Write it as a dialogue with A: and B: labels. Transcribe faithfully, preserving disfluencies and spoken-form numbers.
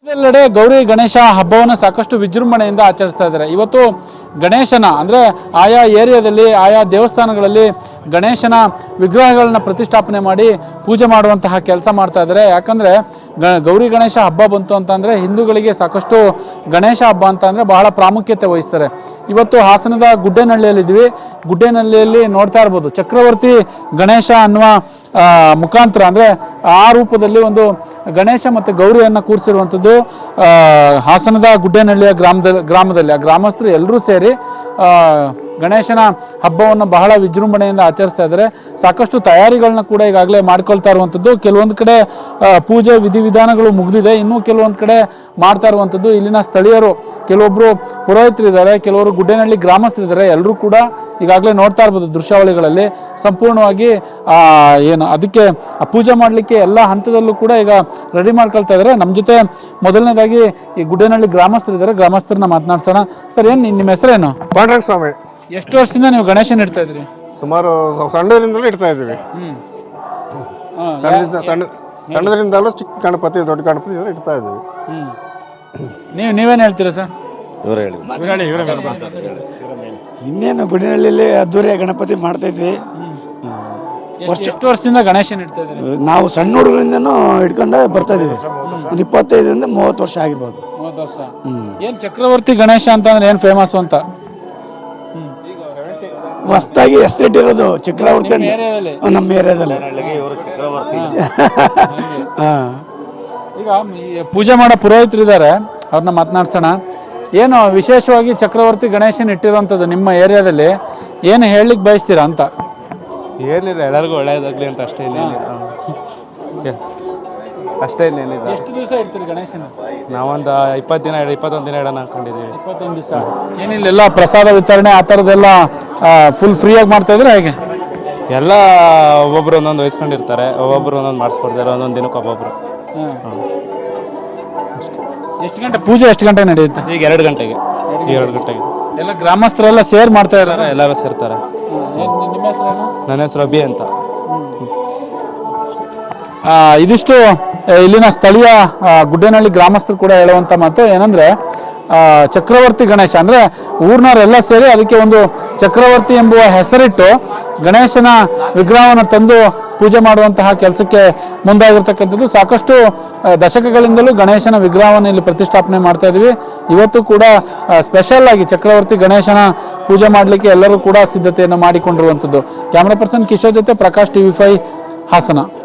A: ಎಲ್ಲೆಡೆ ಗೌರಿ ಗಣೇಶ ಹಬ್ಬವನ್ನು ಸಾಕಷ್ಟು ವಿಜೃಂಭಣೆಯಿಂದ ಆಚರಿಸ್ತಾ ಇದ್ದಾರೆ. ಇವತ್ತು ಗಣೇಶನ ಅಂದರೆ ಆಯಾ ಏರಿಯಾದಲ್ಲಿ ಆಯಾ ದೇವಸ್ಥಾನಗಳಲ್ಲಿ ಗಣೇಶನ ವಿಗ್ರಹಗಳನ್ನ ಪ್ರತಿಷ್ಠಾಪನೆ ಮಾಡಿ ಪೂಜೆ ಮಾಡುವಂತಹ ಕೆಲಸ ಮಾಡ್ತಾ ಇದ್ದಾರೆ. ಯಾಕಂದರೆ ಗ ಗೌರಿ ಗಣೇಶ ಹಬ್ಬ ಬಂತು ಅಂತಂದರೆ ಹಿಂದೂಗಳಿಗೆ ಸಾಕಷ್ಟು ಗಣೇಶ ಹಬ್ಬ ಅಂತ ಅಂದರೆ ಬಹಳ ಪ್ರಾಮುಖ್ಯತೆ ವಹಿಸ್ತಾರೆ. ಇವತ್ತು ಹಾಸನದ ಗುಡ್ಡೇನಹಳ್ಳಿಯಲ್ಲಿದ್ದೀವಿ. ಗುಡ್ಡೇನಹಳ್ಳಿಯಲ್ಲಿ ನೋಡ್ತಾ ಇರ್ಬೋದು ಚಕ್ರವರ್ತಿ ಗಣೇಶ ಅನ್ನುವ ಮುಖಾಂತರ ಅಂದರೆ ಆ ರೂಪದಲ್ಲಿ ಒಂದು ಗಣೇಶ ಮತ್ತು ಗೌರಿಯನ್ನು ಕೂರಿಸಿರುವಂಥದ್ದು ಹಾಸನದ ಗುಡ್ಡೇನಹಳ್ಳಿಯ ಗ್ರಾಮದಲ್ಲಿ ಗ್ರಾಮದಲ್ಲಿ ಆ ಗ್ರಾಮಸ್ಥರು ಎಲ್ಲರೂ ಸೇರಿ ಗಣೇಶನ ಹಬ್ಬವನ್ನು ಬಹಳ ವಿಜೃಂಭಣೆಯಿಂದ ಆಚರಿಸ್ತಾ ಇದ್ದಾರೆ. ಸಾಕಷ್ಟು ತಯಾರಿಗಳನ್ನ ಕೂಡ ಈಗಾಗಲೇ ಮಾಡ್ಕೊಳ್ತಾ ಇರುವಂಥದ್ದು. ಕೆಲವೊಂದು ಕಡೆ ಪೂಜೆ ವಿಧಿವಿಧಾನಗಳು ಮುಗಿದಿದೆ, ಇನ್ನೂ ಕೆಲವೊಂದು ಕಡೆ ಮಾಡ್ತಾ ಇರುವಂಥದ್ದು. ಇಲ್ಲಿನ ಸ್ಥಳೀಯರು ಕೆಲವೊಬ್ಬರು ಪುರೋಹಿತರಿದ್ದಾರೆ, ಕೆಲವರು ಗುಡ್ಡೇನಹಳ್ಳಿ ಗ್ರಾಮಸ್ಥರಿದ್ದಾರೆ. ಎಲ್ಲರೂ ಕೂಡ ಈಗಾಗಲೇ ನೋಡ್ತಾ ಇರ್ಬೋದು ದೃಶ್ಯಾವಳಿಗಳಲ್ಲಿ ಸಂಪೂರ್ಣವಾಗಿ ಏನು ಅದಕ್ಕೆ ಪೂಜೆ ಮಾಡಲಿಕ್ಕೆ ಎಲ್ಲ ಹಂತದಲ್ಲೂ ಕೂಡ ಈಗ ರೆಡಿ ಮಾಡ್ಕೊಳ್ತಾ ಇದ್ದಾರೆ. ನಮ್ಮ ಜೊತೆ ಮೊದಲನೇದಾಗಿ ಈ ಗುಡ್ಡೇನಹಳ್ಳಿ ಗ್ರಾಮಸ್ಥರಿದ್ದಾರೆ, ಗ್ರಾಮಸ್ಥರನ್ನ ಮಾತನಾಡ್ಸೋಣ. ಸರ್, ಏನು ನಿಮ್ಮ ಹೆಸರೇನು?
B: ಪಾಂಡುರಂಗ ಸ್ವಾಮಿ.
A: ಎಷ್ಟು ವರ್ಷದಿಂದ ನೀವು ಗಣೇಶನ ಇಡ್ತಾ ಇದ್ರಿ?
B: ಸುಮಾರು ಸಣ್ಣದರಿಂದಲೂ ಇಡ್ತಾ ಇದ್ದೀವಿ. ಸಣ್ಣದಿಂದ ಸಣ್ಣ ಸಣ್ಣದರಿಂದಲೂ ಚಿಕ್ಕ ಗಣಪತಿ ದೊಡ್ಡ ಗಣಪತಿ ಇಡ್ತಾ ಇದ್ದೀವಿ.
A: ನೀವು ನೀವೇನು ಹೇಳ್ತೀರಾ ಸರ್?
C: ಇವರೇ ಹೇಳಿ.
D: ಇನ್ನೇನು ಗುಡಿನಹಳ್ಳಿಯಲ್ಲಿ ಅದ್ದೂರಿಯ ಗಣಪತಿ ಮಾಡ್ತಾ ಇದ್ವಿ.
A: ಎಷ್ಟು ವರ್ಷದಿಂದ ಗಣೇಶನ ಇಡ್ತಾ ಇದ್ರಿ?
D: ನಾವು ಸಣ್ಣ ಹುಡುಗರಿಂದನೂ ಇಟ್ಕೊಂಡು ಬರ್ತಾ ಇದೀವಿ. ಒಂದು ಇಪ್ಪತ್ತೈದರಿಂದ ಮೂವತ್ತು ವರ್ಷ ಆಗಿರ್ಬೋದು.
A: ಮೂವತ್ತು ವರ್ಷ. ಏನು ಚಕ್ರವರ್ತಿ ಗಣೇಶ ಅಂತಂದ್ರೆ ಏನು ಫೇಮಸ್ ಅಂತ?
D: ಹೊಸ್ತಾಗಿ ಹೆಸರಿಟ್ಟಿರೋದು ಚಕ್ರವರ್ತಿ ನಮ್ಮ ಏರಿಯಾದಲ್ಲಿ.
A: ಈಗ ಪೂಜೆ ಮಾಡೋ ಪುರೋಹಿತರಿದ್ದಾರೆ, ಅವ್ರನ್ನ ಮಾತನಾಡ್ಸೋಣ. ಏನು ವಿಶೇಷವಾಗಿ ಚಕ್ರವರ್ತಿ ಗಣೇಶನ ಇಟ್ಟಿರೋಂಥದ್ದು ನಿಮ್ಮ ಏರಿಯಾದಲ್ಲಿ ಏನು ಹೇಳಲಿಕ್ಕೆ ಬಯಸ್ತೀರಾ ಅಂತ?
E: ಏನಿಲ್ಲ, ಎಲ್ಲರಿಗೂ ಒಳ್ಳೆಯದಾಗಲಿ ಅಂತ ಅಷ್ಟೇ. ಇನ್ನೇನಿಲ್ಲ ಅಷ್ಟೇ, ಇನ್ನೇನಿಲ್ಲ.
A: ಎಷ್ಟು ದಿವಸ ಇಡ್ತೀರಿ ಗಣೇಶನ?
E: ನಾವೊಂದು ಇಪ್ಪತ್ತು ದಿನ ಇಪ್ಪತ್ತೊಂದು ದಿನ ಇಡೋಣ ಅನ್ಕೊಂಡಿದ್ದೀವಿ.
A: ಇಪ್ಪತ್ತೊಂದು ದಿವಸ. ಏನಿಲ್ಲ, ಎಲ್ಲ ಪ್ರಸಾದ ವಿತರಣೆ ಆ ಥರದ್ದೆಲ್ಲ ಫುಲ್ ಫ್ರೀಯಾಗಿ ಮಾಡ್ತಾ ಇದ್ರೆ ಹೇಗೆ?
E: ಎಲ್ಲ ಒಬ್ಬೊಬ್ರು ಒಂದೊಂದು ವಹಿಸ್ಕೊಂಡಿರ್ತಾರೆ, ಒಬ್ಬೊಬ್ರು ಒಂದೊಂದು ಮಾಡಿಸ್ಕೊಡ್ತಾರೆ, ಒಂದೊಂದು ದಿನಕ್ಕೆ ಒಬ್ಬೊಬ್ರು.
A: ಎಷ್ಟು ಗಂಟೆ ಪೂಜೆ ಎಷ್ಟು ಗಂಟೆ ನಡೆಯುತ್ತೆ?
E: ಈಗ ಎರಡು ಗಂಟೆಗೆ ಈಗ ಎರಡು ಗಂಟೆಗೆ
A: ಎಲ್ಲ ಗ್ರಾಮಸ್ಥರೆಲ್ಲ ಸೇರ್ ಮಾಡ್ತಾ ಇದ್ದಾರೆ,
E: ಎಲ್ಲರೂ ಸೇರ್ತಾರೆ.
A: ನಿಮ್ಮ ಹೆಸರೇನು?
E: ನನ್ನ ಹೆಸರು ಅಭಿ ಅಂತ.
A: ಇದಿಷ್ಟು ಇಲ್ಲಿನ ಸ್ಥಳೀಯ ಗುಡ್ಡೇನಹಳ್ಳಿ ಗ್ರಾಮಸ್ಥರು ಕೂಡ ಹೇಳುವಂಥ ಮಾತು ಏನಂದರೆ, ಚಕ್ರವರ್ತಿ ಗಣೇಶ ಅಂದರೆ ಊರಿನವರೆಲ್ಲ ಸೇರಿ ಅದಕ್ಕೆ ಒಂದು ಚಕ್ರವರ್ತಿ ಎಂಬುವ ಹೆಸರಿಟ್ಟು ಗಣೇಶನ ವಿಗ್ರಹವನ್ನು ತಂದು ಪೂಜೆ ಮಾಡುವಂತಹ ಕೆಲಸಕ್ಕೆ ಮುಂದಾಗಿರ್ತಕ್ಕಂಥದ್ದು. ಸಾಕಷ್ಟು ದಶಕಗಳಿಂದಲೂ ಗಣೇಶನ ವಿಗ್ರಹವನ್ನು ಇಲ್ಲಿ ಪ್ರತಿಷ್ಠಾಪನೆ ಮಾಡ್ತಾ ಇದ್ವಿ. ಇವತ್ತು ಕೂಡ ಸ್ಪೆಷಲ್ ಆಗಿ ಚಕ್ರವರ್ತಿ ಗಣೇಶನ ಪೂಜೆ ಮಾಡಲಿಕ್ಕೆ ಎಲ್ಲರೂ ಕೂಡ ಸಿದ್ಧತೆಯನ್ನು ಮಾಡಿಕೊಂಡಿರುವಂಥದ್ದು. ಕ್ಯಾಮ್ರಾ ಪರ್ಸನ್ ಕಿಶೋರ್ ಜೊತೆ ಪ್ರಕಾಶ್ ಟಿವಿ ಫೈವ್ ಹಾಸನ.